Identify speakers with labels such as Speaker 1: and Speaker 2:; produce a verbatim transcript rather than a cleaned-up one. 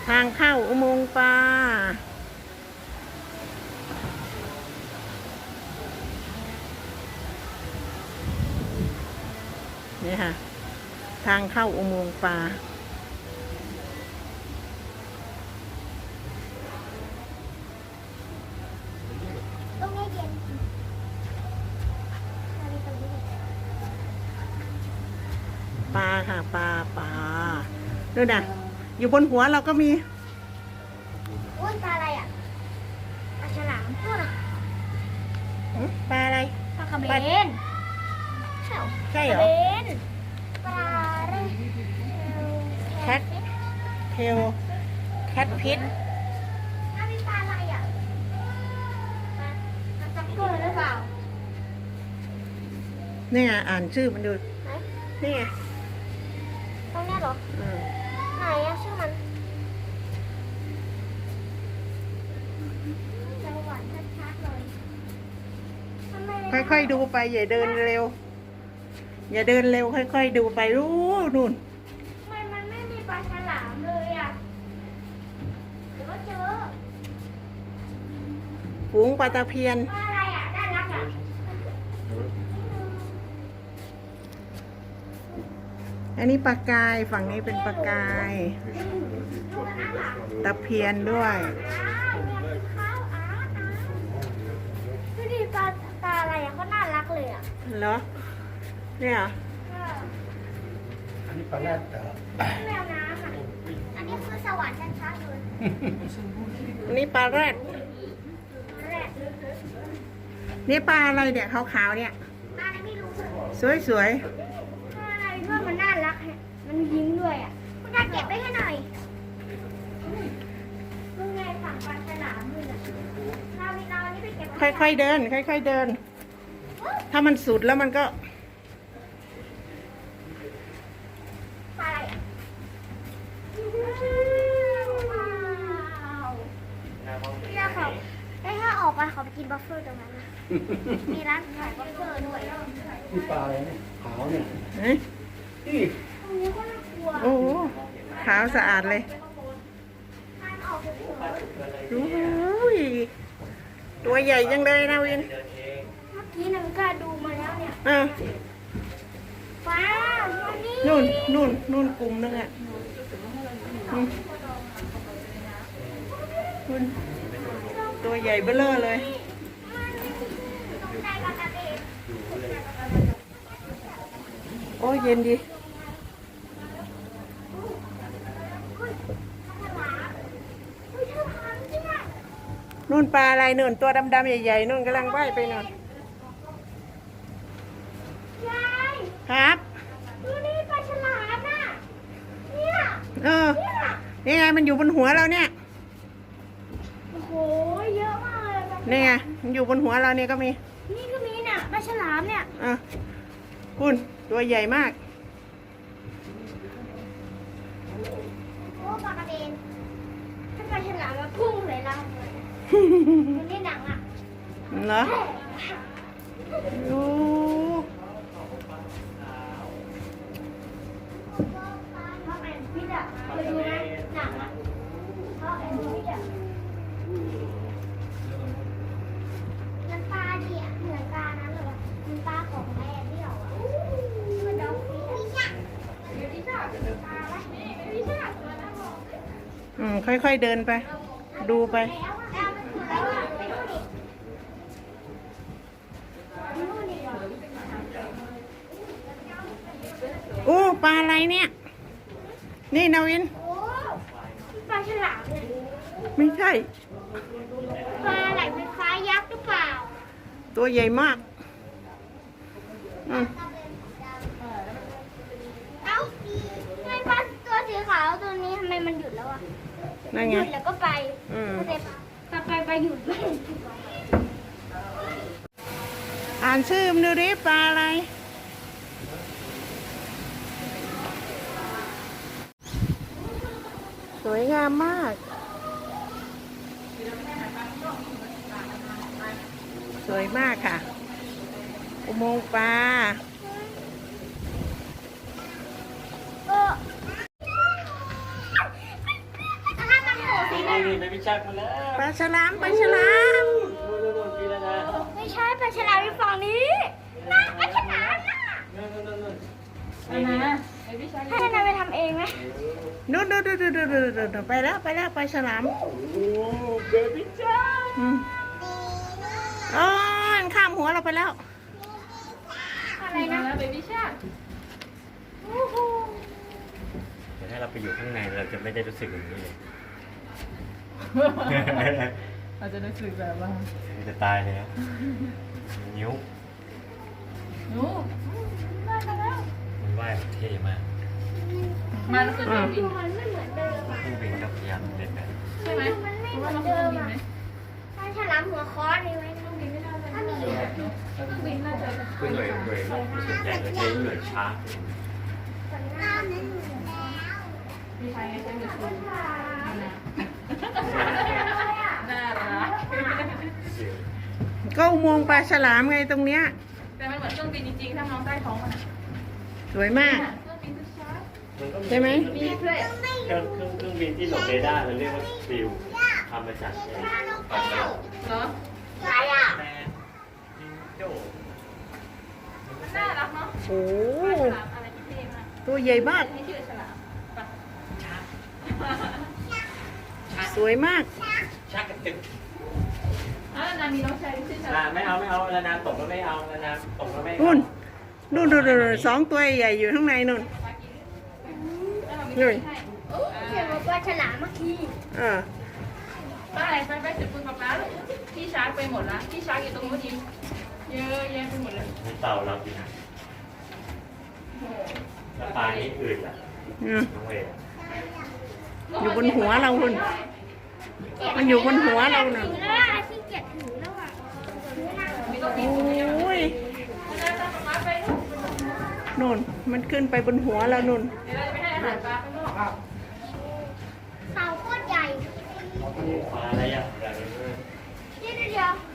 Speaker 1: ทางเข้าอุโมงค์ปลานี่ค่ะทางเข้าอุโมงค์ปลา
Speaker 2: ตรงนี้เย็น
Speaker 1: ปลาค่ะปลาปลาดูนะอยู่บนหัวเราก็มี
Speaker 2: อุ้ยปลาอะไรอ่ะปลาฉลามพูดอ่ะ
Speaker 1: ปลาอะไร
Speaker 2: ปลากระเบนใช่
Speaker 1: ใช่เหรอ
Speaker 2: เบนปลาเร
Speaker 1: แคทเทลแคทพิษ
Speaker 2: อันนี้ปลาอะไรอ่ะปลาปลาจักรตัวหรือเปล่า
Speaker 1: นี่ไงอ่านชื่อมันดู
Speaker 2: ไหน
Speaker 1: นี่ไง
Speaker 2: ตรงเนี้ยเหรอ
Speaker 1: อืม
Speaker 2: ไหนอะชื่อมันจะหวานชัดๆเลยทำไมไม่
Speaker 1: ค่อยๆดูไปอย่าเดินเร็ว อย่าเดินเร็วค่อยๆดูไปรู้นู่น
Speaker 2: ทำไมมันไม่มีปลาฉลามเลยอ่ะหรือว่าเจอ
Speaker 1: ฝูงปลาตะเพียน
Speaker 2: ปลาอะไรอ่ะด้านลักอ่ะ
Speaker 1: อันนี้ปลากายฝั่งนี้เป็นปลากาย
Speaker 2: ดูกันนะค่ะ
Speaker 1: ตะเพียนด้วย
Speaker 2: อ้าวเนี่ยคือข้าวอ้าวอ้าวดูดิปลาปลาอะไรอ่ะก็น่ารักเลยอ่ะ
Speaker 1: เหรอเนี่ยเหรอ
Speaker 2: เออ
Speaker 3: อันนี้ปลาแรดเหรอ
Speaker 2: แมวน้ำอ่ะอันนี้คือสวรรค์ชัดๆเลย
Speaker 1: อันนี้ปลาแรด
Speaker 2: แรก
Speaker 1: นี่ปลาอะไรเนี่ยขาวๆเนี่ย
Speaker 2: ปลาอะไรไม่รู้
Speaker 1: สวย
Speaker 2: ปลาอะไรด้วยมันน่ารักฮะมันยิ้มด้วยอ่ะคุณตาเก็บไว้ให้หน่อยมึงไงฝั่งปลาฉลามมึงอ่ะเราเราอันนี้ไปเก็บไว้
Speaker 1: ๆค่อยๆเดิน ค่อยๆเดิน ถ้ามันสุดแล้วมันก็
Speaker 2: ปลาอะไรอ่ะว้าวพี่ยาเขาได้ถ้าออกไปเขาไปกินบัฟเฟอร์ตรงนั้นนะมีร้านขายบัฟเฟอร์ด้วย
Speaker 3: นี่ปลาอะไรเนี่ยขาวเนี่ย
Speaker 1: เฮ้ย
Speaker 3: นี่
Speaker 2: ตรงนี้ก็น่ากลัว
Speaker 1: โอ้โหขาวสะอาดเลย
Speaker 2: ทานออกเถอะ
Speaker 1: โอ้ยตัวใหญ่จังเลยนะวิน
Speaker 2: เมื่อกี้หนึ่งก็ดูมาแล้วเนี่ย
Speaker 1: อ่ะ
Speaker 2: ฟ้ามานี่
Speaker 1: นู่นนู่นนู่นกลุ่มนึงอ่ะอืมนู่นตัวใหญ่เบ้อเร่อเลย
Speaker 2: ตรงใจปลากระเบน
Speaker 1: โอ้ยเย็นดี
Speaker 2: อุ้ยฉลามอุ้ยฉลามจริงอ่ะ
Speaker 1: นู่นปลาอะไรนู่นตัวดำๆใหญ่ๆนู่นกำลังว่ายไปนู่น
Speaker 2: ยาย
Speaker 1: ครับ
Speaker 2: ดูนี่ปลาฉลามน่ะเนี่ย
Speaker 1: เออ
Speaker 2: เนี่ย
Speaker 1: นี่ไงมันอยู่บนหัวเราเนี่ย
Speaker 2: โอ้โหเยอะมากเลยปลาฉลาม
Speaker 1: นี่ไงมันอยู่บนหัวเราเนี่ยก็มี
Speaker 2: นี่ก็มีเนี่ยปลาฉลามเนี่ย
Speaker 1: อ่ะคุณตัวใหญ่มาก
Speaker 2: โอ้ปลากระเบนถ้าปลาฉลามมาพุ่งใส่เราเลยมันนี่หนังอ่ะ
Speaker 1: เหรอโอ้
Speaker 2: เพราะแอนพิษอ่ะเคยดูไหมหนังอ่ะเพราะแอนพิษอ่ะมันปลาดิอ่ะเหมือนปลานั้นเลยวะมันปลาของแอนที่เราอ่ะมันดอกพิษอ่ะพิษอ่ะปลาไหมพิษอ่ะ
Speaker 1: อืมค่อยๆเดินไป ดูไป
Speaker 2: แล้วอ่ะแล้วมันคือแล้วอ่ะไปดูดิดูดิ
Speaker 1: โอ้ปลาอะไรเนี่ย นี่นาวิน
Speaker 2: โอ้ปลาฉลามเนี่ย
Speaker 1: ไม่ใช่
Speaker 2: ปลาไหลไฟฟ้ายักษ์หรือเปล่า
Speaker 1: ตัวใหญ่มากอืม
Speaker 2: เอ้าทำไมปลาตัวสีขาวตัวนี้ทำไมมันหยุดแล้วอ่ะ
Speaker 1: นั่น
Speaker 2: ห
Speaker 1: ไง
Speaker 2: ยุดแล้วก็ไป
Speaker 1: อืม
Speaker 2: แต่ปลาไปไปหยุดไม่
Speaker 1: อ่านชื่อมันดูดิปลาอะไร สวยงามมาก สวยมากค่ะ อุโมงค์ปลา
Speaker 2: เอออะไร
Speaker 4: ชักมาแล้ว
Speaker 1: ปลาฉลามปลาฉลาม
Speaker 4: โน่นโน่นโน่นกินแล้วนะ
Speaker 2: ไม่ใช่ปลาฉลามอยู่ฝั่งนี้น่าปลาฉลามน่ะ
Speaker 4: โน่นโน่นโน่นโน่น
Speaker 2: ให้นายไปทำเองไหม
Speaker 1: นู่นนู่นนู่นนู่นนู่นนู่นไปแล้วไปแล้วปลาฉลาม
Speaker 4: โอ้เบบี้จ้า
Speaker 1: อืมอ๋อมันข้ามหัวเราไปแล้ว
Speaker 2: อะไรนะ
Speaker 5: เบบี้ชา
Speaker 2: โอ้โห
Speaker 4: แต่ถ้าเราไปอยู่ข้างในเราจะไม่ได้รู้สึกอย่างนี้เลย
Speaker 5: เราจะรู้สึกแบบว่า
Speaker 4: มันจะตายเลยนะนิ้ว
Speaker 5: หนูมาแล้ว
Speaker 4: มันว่ายแบบเท่มาก
Speaker 5: มันคือเครื่องบิน
Speaker 2: มันไม่เหมือนเดิมอ่ะ
Speaker 4: เครื่องบินก็พยายามเล่นแบบ
Speaker 5: ใช่ไหม
Speaker 2: มันไม่
Speaker 5: เพราะ
Speaker 2: เหมื
Speaker 5: ว่า
Speaker 2: อน
Speaker 5: เราเค
Speaker 2: เดิ
Speaker 5: รื่อง
Speaker 2: ม
Speaker 5: บินไหม
Speaker 2: อ่ะปลาฉลามหัวค้อนมีไหมต้องมีไม่ได้ถ้ามีอ่ะ
Speaker 5: เครื่องบินน่าจะ
Speaker 4: คือหน่วยหน่วยส่วนใหญ่เราใช้หน่วยชาร์จ
Speaker 2: สัญญาณนั้นอยู่แล้ว
Speaker 5: มีใครใช้มือถือน่ารัก
Speaker 1: ก็อุโมงค์ปลาฉลามไงตรงเนี้ย
Speaker 5: แต่มันเหมือนเครื่องบินจริงๆถ้ามองใต้ท้องมัน
Speaker 1: สวยมาก
Speaker 5: เครื่องบินชาร์จ
Speaker 1: ใช่ไหม
Speaker 5: มีเพื่อน
Speaker 4: เครื่องเครื่องเครื่องบินที่หลบเรดาร์เราเรียกว่าฟิวทำมาจากไอ้ปลาเก๋า
Speaker 5: เหรอ
Speaker 2: อะไรอ่ะ
Speaker 4: แมนจิงโจ้
Speaker 5: มันน่ารักเนาะ
Speaker 1: โอ้
Speaker 5: ฉลามอะไรที่เท่มาก
Speaker 1: ตัวใหญ่มาก
Speaker 5: นี่ชื่อฉลามปะ
Speaker 1: สวยมาก
Speaker 4: ชักกระตึก
Speaker 5: อ่ะนามีน้องชายชื่อฉ
Speaker 4: อ่า
Speaker 5: ลาม
Speaker 4: ไม่เอาไม่เอาแล้วนานตกแล้วไม่เอาแล้วนานตกแล้วไม่เอา
Speaker 1: นู่นนู่นนู่นนู่นสองตัวใหญ่อยู่ข้างในนู่น
Speaker 5: แล้วเรามี
Speaker 1: นี่
Speaker 5: ให้โอ้
Speaker 2: เขียนว่าปลาฉลามเมื่อกี้
Speaker 1: เออ
Speaker 5: ไปไปไปถึงคุณป๊าป๊าพี่ชาร์จไปหมดละพี่ชาร์จอยู่ตรงนู้นอีกเยอะแยะไปหมดเลย
Speaker 4: มีเต่าเรากินนะแล้วปลานี้อื่นล่ะ
Speaker 1: อืม
Speaker 4: น้องเวย์
Speaker 1: อยู่บนหัวเราคุณมันอยู่บนหัวเราเน่ะ
Speaker 2: ถึงแล้วอ่ะที่เกียจถึงแล้วอ่ะ
Speaker 5: มีต้องมี
Speaker 1: โอ้ย
Speaker 5: แล้วป๊าป๊าไปลูก
Speaker 1: นู่นมันขึ้นไปบนหัวเรานู่น
Speaker 5: เดี๋ยวเราจะไปให้อาหารปลาข้างนอก
Speaker 2: เต่าโคตรใหญ่
Speaker 4: ปลาอะไรอ่ะใหญ่เลย
Speaker 2: เดี๋ยวเดี๋ยว